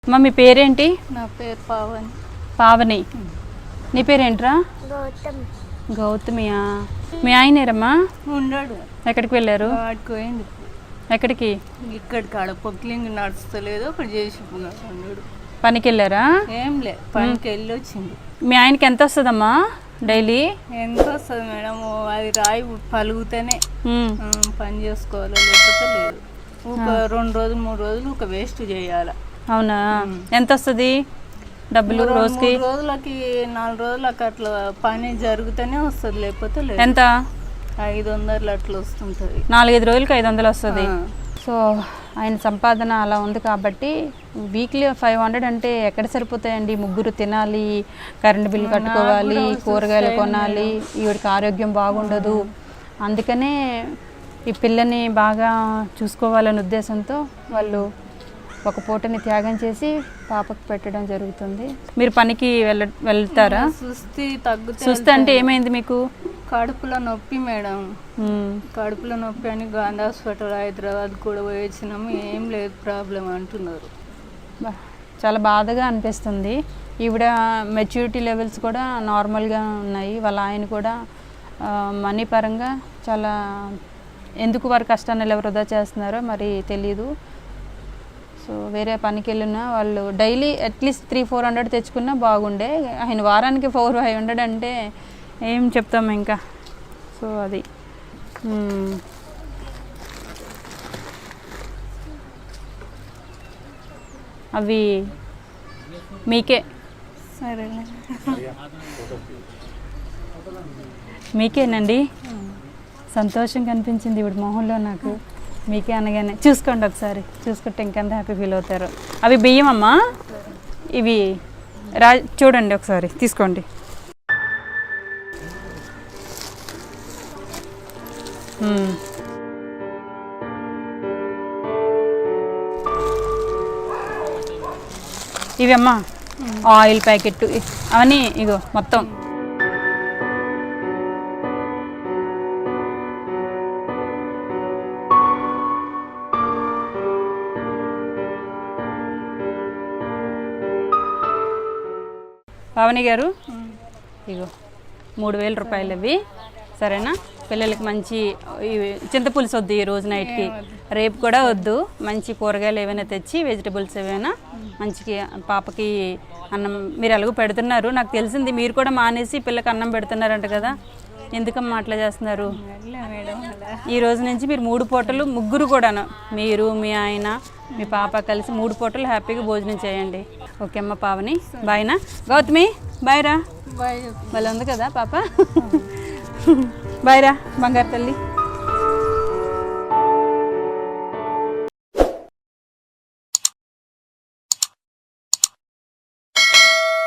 అమ్మ మీ పేరేంటి? నా పేరు పావని. పావని. నీ పేరేంట్రా? గౌతమ్. గౌతమియా? మీ ఆయనేరమ్మా? ఉన్నాడు. ఎక్కడికి వెళ్ళారు? వాడికి పోయింది. ఎక్కడికి? ఇక్కడికి ఆడ పొక్లింగ్ నడుస్తలేదు, ఒకటి చేసి ఉన్నాడు. పనికి వెళ్ళారా? ఏం లే, పనికి వెళ్ళి వచ్చింది. మీ ఆయనకి ఎంత వస్తుందమ్మా డైలీ? ఎంత వస్తుంది మేడం? అది రాయి పలుగుతేనే పని చేసుకోవాలి, లేకపోతే లేదు. ఒక 2 రోజులు 3 రోజులు ఒక వేస్ట్ చేయాలి. అవునా? ఎంత వస్తుంది డబ్బులు రోజుకి? 3 రోజులకి 4 రోజులకి అట్లా పని జరుగుతూనే వస్తుంది, లేకపోతే లేదు. ఎంత? 500 అట్లా వస్తుంటుంది. 4-5 రోజులకి 500 వస్తుంది. సో ఆయన సంపాదన అలా ఉంది కాబట్టి వీక్లీ 500 అంటే ఎక్కడ సరిపోతాయండి? ముగ్గురు తినాలి, కరెంట్ బిల్ కట్టుకోవాలి, కూరగాయలు కొనాలి, ఈవిడికి ఆరోగ్యం బాగుండదు. అందుకనే ఈ పిల్లని బాగా చూసుకోవాలనే ఉద్దేశంతో వాళ్ళు ఒక పూటని త్యాగం చేసి పాపకు పెట్టడం జరుగుతుంది. మీరు పనికి వెళ్తారా? సుస్థి అంటే ఏమైంది మీకు? కడుపులో నొప్పి మేడం. కడుపులో నొప్పి అని గాంధీ హాస్పిటల్ హైదరాబాద్ కూడా పోయి వచ్చినాము, ఏం లేదు ప్రాబ్లం అంటున్నారు. చాలా బాధగా అనిపిస్తుంది. ఈవిడ మెచ్యూరిటీ లెవెల్స్ కూడా నార్మల్గా ఉన్నాయి. వాళ్ళ ఆయన కూడా మనీ పరంగా చాలా, ఎందుకు వారి కష్టాన్ని ఎవరు వృధా చేస్తున్నారో మరి తెలీదు. సో వేరే పనికి వెళ్ళినా వాళ్ళు డైలీ అట్లీస్ట్ 300-400 తెచ్చుకున్నా బాగుండే. ఆయన వారానికి 400-500 అంటే ఏం చెప్తాము ఇంకా. సో అది అవి మీకే, సరేలే, మీకేనండి. సంతోషం కనిపించింది ఇప్పుడు మొహంలో నాకు. మీకే అనగానే. చూసుకోండి ఒకసారి, చూసుకుంటే ఇంకెంత హ్యాపీ ఫీల్ అవుతారు. అవి బియ్యం అమ్మా, ఇవి చూడండి ఒకసారి, తీసుకోండి. ఇవి అమ్మా ఆయిల్ ప్యాకెట్ అవన్నీ ఇగో మొత్తం. పావని గారు ఇగో 3000 రూపాయలు అవి, సరేనా? పిల్లలకి మంచి చింతపులుసు వద్దు ఈ రోజు నైట్కి, రేపు కూడా వద్దు. మంచి కూరగాయలు ఏమైనా తెచ్చి, వెజిటబుల్స్ ఏమైనా మంచికి పాపకి అన్నం మీరు ఎలాగో పెడుతున్నారు. నాకు తెలిసింది మీరు కూడా మానేసి పిల్లకి అన్నం పెడుతున్నారంట కదా, ఎందుకమ్మా అట్లా చేస్తున్నారు? ఈ రోజు నుంచి మీరు 3 పూటలు, ముగ్గురు కూడాను, మీరు మీ ఆయన మీ పాప కలిసి 3 పూటలు హ్యాపీగా భోజనం చేయండి. ఓకే అమ్మ పావని, బాయ్నా? గౌతమి బాయ్ రా. బాయ్. భలే ఉంది కదా పాప. బాయ్ రా బంగారు తల్లి.